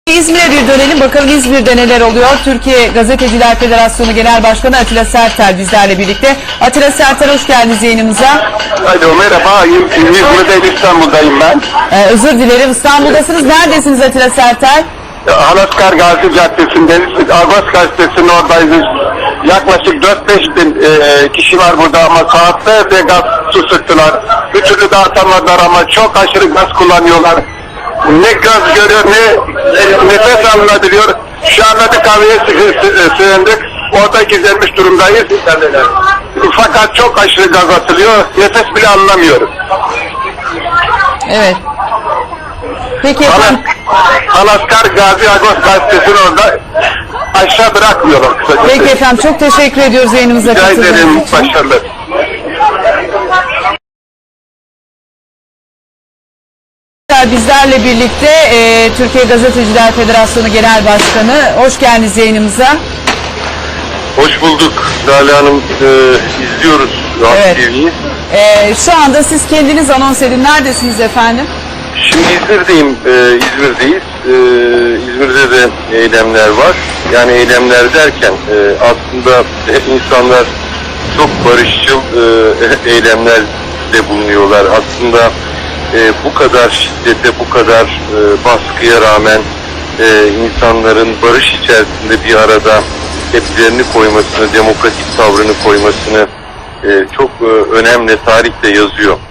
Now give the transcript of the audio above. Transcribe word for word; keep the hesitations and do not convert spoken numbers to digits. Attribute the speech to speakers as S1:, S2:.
S1: İzmir'e bir dönelim. Bakalım İzmir'de neler oluyor? Türkiye Gazeteciler Federasyonu Genel Başkanı Atilla Sertel bizlerle birlikte. Atilla Sertel, hoş geldiniz yayınımıza.
S2: Alo, merhaba. İzmir'deyim, İstanbul'dayım ben.
S1: Ee, özür dilerim. İstanbul'dasınız. Neredesiniz Atilla Sertel?
S2: Halaskar Gazi Caddesi'ndeyiz. Agos Gazetesi'nin oradayız. Yaklaşık dört beş bin e, kişi var burada ama saatlerce gaz su sıktılar. Bir türlü dağıtamadılar ama çok aşırı gaz kullanıyorlar. Ne gaz görüyor ne nefes alınabiliyor. Şu anda bir kahveye sığındık. Orada gizlenmiş durumdayız. Fakat çok aşırı gaz atılıyor. Nefes bile alınamıyoruz.
S1: Evet. Peki efendim.
S2: Halaskar Gazi Agos Gazetesi'nin orada aşağı bırakmıyorlar kısacası.
S1: Peki efendim, çok teşekkür ediyoruz yayınımıza
S2: Rica
S1: katıldığınız
S2: ederim.
S1: için.
S2: Başarılar.
S1: Bizlerle birlikte e, Türkiye Gazeteciler Federasyonu Genel Başkanı. Hoş geldiniz yayınımıza.
S3: Hoş bulduk Lale Hanım. Ee, izliyoruz Rahat
S1: Evet.
S3: T V'yi.
S1: E, şu anda siz kendiniz anons edin. Neredesiniz efendim?
S3: Şimdi İzmir'deyim. Ee, İzmir'deyiz. Ee, İzmir'de de eylemler var. Yani eylemler derken e, aslında insanlar çok barışçıl e, eylemlerde bulunuyorlar. Aslında e, bu kadar şiddete, bu kadar e, baskıya rağmen e, insanların barış içerisinde bir arada tepkilerini koymasını, demokratik tavrını koymasını e, çok e, önemli, tarihte yazıyor.